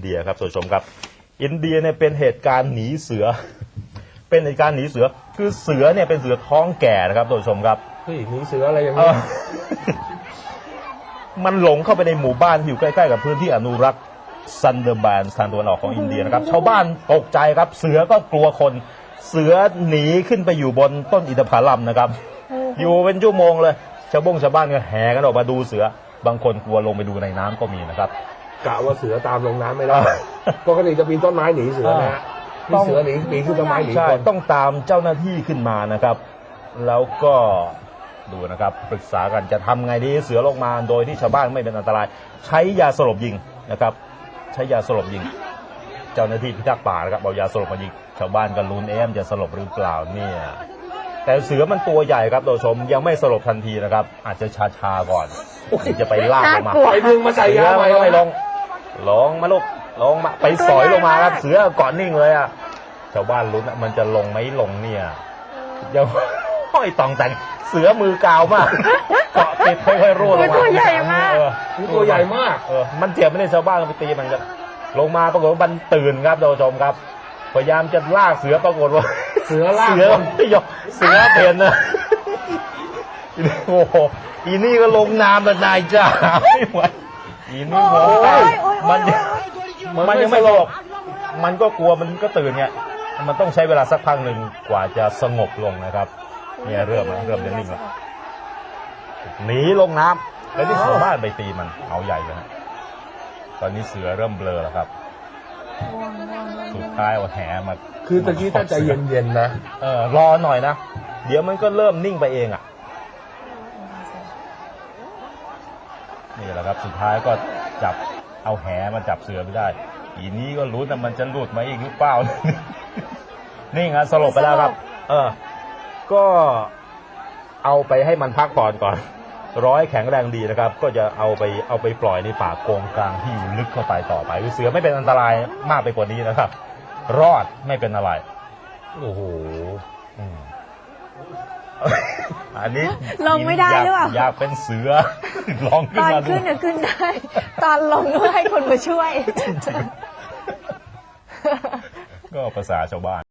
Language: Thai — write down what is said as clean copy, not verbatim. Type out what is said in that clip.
เดียครับท่านผู้ชมครับอินเดียเนี่ยเป็นเหตุการณ์หนีเสือเป็นเหตุการณ์หนีเสือคือเสือเนี่ยเป็นเสือท้องแก่นะครับท่านผู้ชมครับเฮ้ยหนีเสืออะไรอย่างนี้มันหลงเข้าไปในหมู่บ้านที่อยู่ใกล้ๆกับพื้นที่อนุรักษ์ซันเดอร์แบนทางตะวันออกของอินเดียนะครับชาวบ้านตกใจครับเสือก็กลัวคนเสือหนีขึ้นไปอยู่บนต้นอินทผลัมนะครับอยู่เป็นชั่วโมงเลยชาวบ้านก็แห่กันออกมาดูเสือบางคนกลัวลงไปดูในน้ำก็มีนะครับกะว่าเสือตามลงน้ำไม่ได้ปกติจะปีนต้นไม้หนีเสือนะฮะนี่เสือหนีปีนขึ้นต้นไม้หนีคนต้องตามเจ้าหน้าที่ขึ้นมานะครับแล้วก็ดูนะครับปรึกษากันจะทำไงดีเสือลงมาโดยที่ชาวบ้านไม่เป็นอันตรายใช้ยาสลบยิงนะครับใช้ยาสลบยิงเจ้าหน้าที่พิทักษ์ป่านะครับเอายาสลบมายิงชาวบ้านก็ลุ้นจะสลบหรือเปล่าเนี่ยแต่เสือมันตัวใหญ่ครับท่านผู้ชมยังไม่สลบทันทีนะครับอาจจะชาก่อนจะไปลากลงมาไปดึงมาใส่ยาไม่ลงมาลูกลงมาไปสอยลงมาครับเสือเกาะนิ่งเลยอ่ะชาวบ้านลุ้นมันจะลงไหมลงเนี่ยยังห้อยตองแต่งเสือมือกาวมากเกาะติดค่อยๆร่วงลงมาตัวใหญ่มากตัวใหญ่มากมันเจ็บไม่ได้ชาวบ้านไปตีมันก็ลงมาปรากฏว่ามันตื่นครับท่านผู้ชมครับพยายามจะลากเสือปรากฏว่าเสือลากไม่ยอมเสือเปลี่ยนนะโอ้โหอีนี่ก็ลงน้ำแล้วนายจ้าไม่ไหวอีนี่งงไปมันยังไม่หลบมันก็กลัวมันก็ตื่นเนี่ยมันต้องใช้เวลาสักพักหนึ่งกว่าจะสงบลงนะครับเนี่ยเริ่มจะนิ่งแล้วหนีลงน้ำแล้วที่ชาวบ้านไปตีมันเอาใหญ่เลยตอนนี้เสือเริ่มเบลอแล้วครับสุดท้ายเอาแหมาคือตะกี้ถ้าใจเย็นๆนะรอหน่อยนะเดี๋ยวมันก็เริ่มนิ่งไปเองอ่ะนี่แหละครับสุดท้ายก็จับเอาแหมาจับเสือไม่ได้อีนี้ก็รู้แต่มันจะหลุดมาอีกหรือเปล่านี่ไงสลบไปแล้วครับก็เอาไปให้มันพักผ่อนก่อนร้อยแข็งแรงดีนะครับก็จะเอาไปปล่อยในป่าโกงกลางที่อยู่ลึกเข้าไปต่อไปเสือไม่เป็นอันตรายมากไปกว่านี้นะครับรอดไม่เป็นอะไรโอ้โหอันนี้ลงไม่ได้หรือเปล่าอยากเป็นเสือลองขึ้นมาตอนขึ้นขึ้นได้ตอนลงก็ให้คนมาช่วยก็ภาษาชาวบ้าน